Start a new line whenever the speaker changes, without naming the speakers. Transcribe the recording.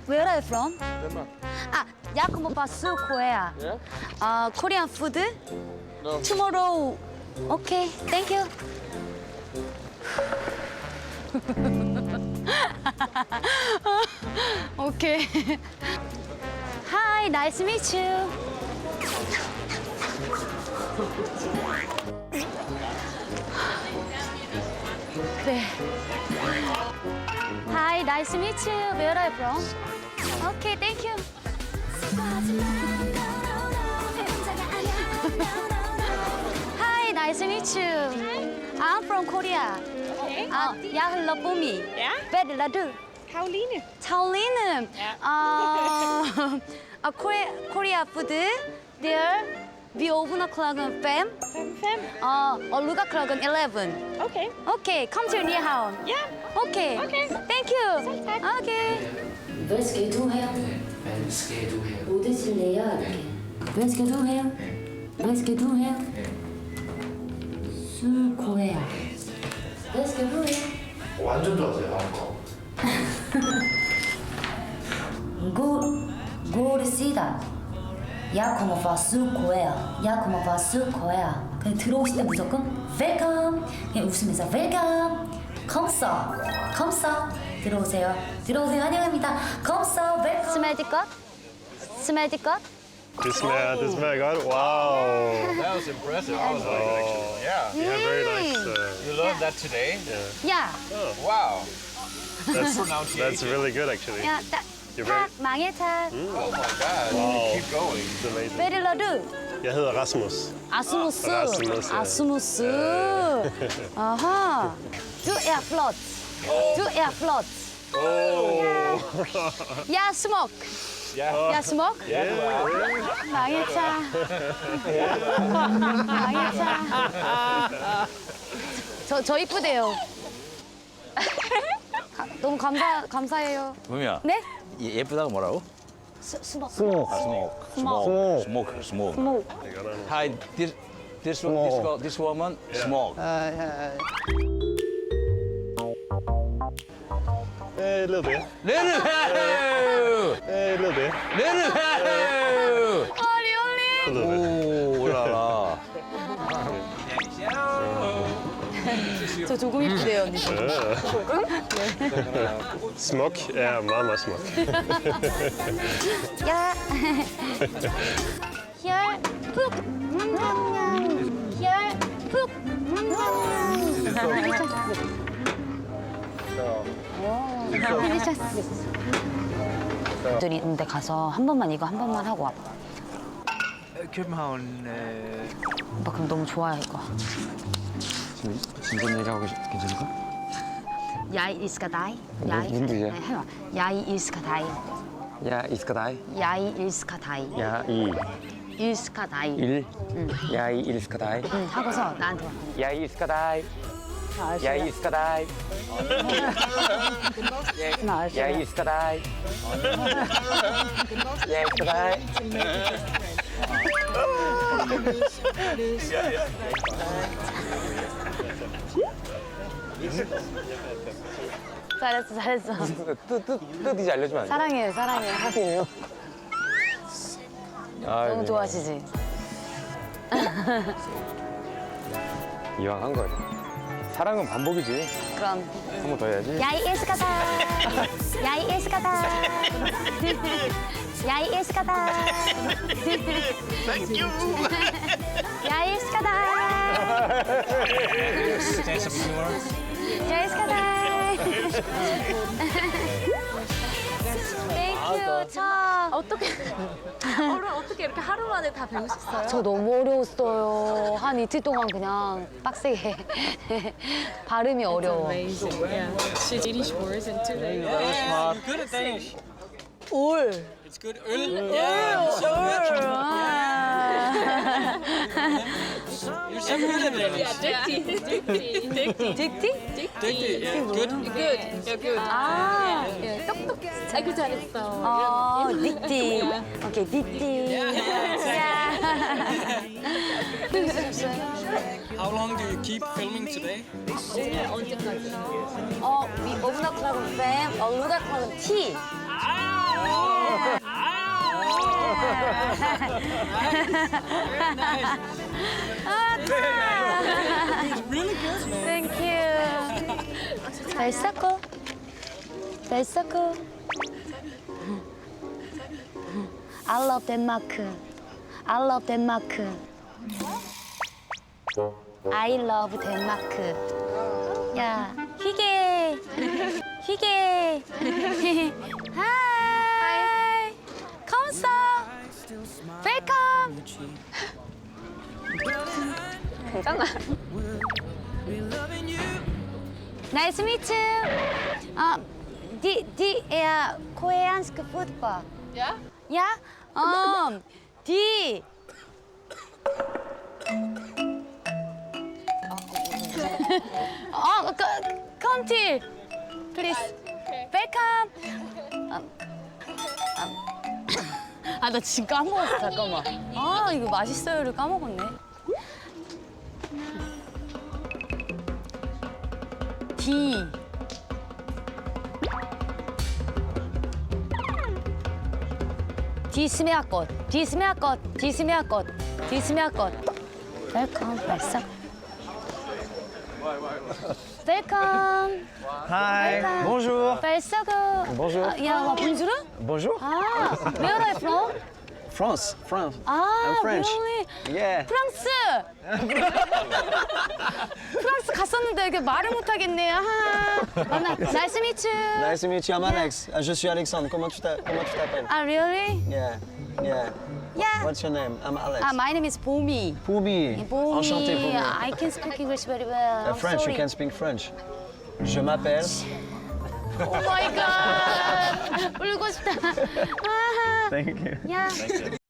Where are you from?
Denmark.
Jeg kommer fra Sydkorea.
Yeah?
Korean food?
No.
Tomorrow. Okay, thank you. Okay. Hi, nice to meet you. 그래. Hi, nice to meet you. Where are you from? Okay, thank you. Hi, nice to meet you. I'm from Korea.
Okay.
Jeg hedder Bumi.
Ja.
Hvad er du?
Karoline.
Karoline. Korea food. There, we open o'clock on 5.
5.
Og lukker klokken 11.
Okay.
Okay, kom til Nyhavn.
Ja.
Okay.
Okay.
Thank you.
Selv tak.
Okay.
Hvad skal du her?
Hvad skal du her?
Ude til lærer. Hvad skal du her? Hvad skal du her? Sydkorea. Hvad skal du her?
완전 좋아하세요, 한국.
God sida. Jeg kommer fra Sydkorea. Jeg kommer fra Sydkorea. 그냥 들어오실 때 무조건 웰컴. 그냥 웃으면서 웰컴. 컴서. 컴서. 들어오세요. 들어오세요. 환영합니다. 컴서. 웰컴.
Smager det godt? Smager det godt?
Det smager godt. Wow.
That was impressive. I was like, actually. Yeah.
Yeah, very nice.
You learned that today?
Ja.
Wow.
That's
Pronunciation.
really good, actually.
Ja,
You're
tak.
very-
Mange tak.
Oh my God.
Wow.
Keep going.
It's amazing.
Hvad er du?
Jeg hedder Rasmus.
Asmus.
Rasmus, ja.
Asmus. Aha. Du er flot. Du er flot. Jeg er smuk. Jeg er smuk. Mange tak. mange tak. 저 이쁘대요. 너무 감사해요.
부미야.
네?
예쁘다고 뭐라고?
스모크.
스모크. Hi, this woman, smoke.
A little bit.
레르
A little bit.
레르
어리.
A little bit.
오, 올라라.
저 조금 이쁘대요, 언니.
Smuk er meget, meget smuk.
야. 혈 푹. 혈 푹. 들이 있는데 가서 한 번만 이거 한 번만 하고 와봐.
København.
오빠 그럼 너무 좋아해 이거.
진전 얘기하고 괜찮을까?
야이 일스카다이.
뭔 뜻이야?
네, 해봐. 야이 일스카다이.
야, 이스카다이.
야이 일스카다이.
야, 이.
일스카다이.
일. 야, 이 일스카다이.
응, 하고서 나한테 와.
야, 이 이스카다이. 야, 이 이스카다이. 야, 이 이스카다이. 야, 이스카다이.
잘했어.
뜻 이제 알려주면 안 돼?
사랑해요.
사랑해요.
너무 좋아하시지?
이왕 한 거지. 사랑은 반복이지.
그럼.
한 번 더 해야지.
야이 일스카다. 야이 일스카다. 야이 일스카다.
Thank you.
야이 일스카다. 야이 일스카다. 땡큐. 참.
어떻게 이렇게 하루 만에 다 배우셨어요?
저 너무 어려웠어요. 한 이틀 동안 그냥 빡세게. 발음이 어려워.
Amazing. Yeah. She's Danish words and two days.
Good at Danish.
올.
It's good. Øl. Yeah, so good. You're so good at Danish.
딕티?
Dygtig. Yeah, good.
Good. Yeah, good.
아.
똑똑해. 아이고 잘했어.
닉티. 오케이, 닉티.
How long do you keep filming today?
언제까지?
위 오브나 클럽은 뱀, 루가 클럽은 티.
It's really good, man.
Thank you. 벨사코. 벨사코. I love Denmark. I love Denmark. I love Denmark. 야, 희게. 희게. Hi. 컴서. Welcome. 괜찮아. Nice to meet you. Koreansk football.
Yeah?
Yeah? Die. Come till, please. Welcome. 아, 나 지금 까먹었어. 잠깐만. 아, 이거 맛있어요를 까먹었네. D. 디스메아꽃, 디스메아꽃, 디스메아꽃, 디스메아꽃. 웰컴, 발사. 웰컴.
Hi.
Welcome.
Bonjour.
발사고.
Bonjour.
야, 본주르?
Bonjour.
아, where are you from?
France. France.
아,
I'm French.
really?
Yeah.
프랑스. 프랑스 갔었는데 이게 말을 못 하겠네. 아하. 만나. Nice to meet you.
Nice to meet you. I'm Alex. Je suis Alexandre. Comment tu t'appelles?
Ah, really?
Yeah. Yeah.
Yeah.
What's your name? I'm Alex.
My name is Bomi.
Poumi.
Bomi.
Enchanté, Poumi.
I can speak English very well. I'm
French.
sorry.
You can speak French. Je m'appelle.
Oh my God. 울고 싶다. 아하.
Thank you.
Yeah.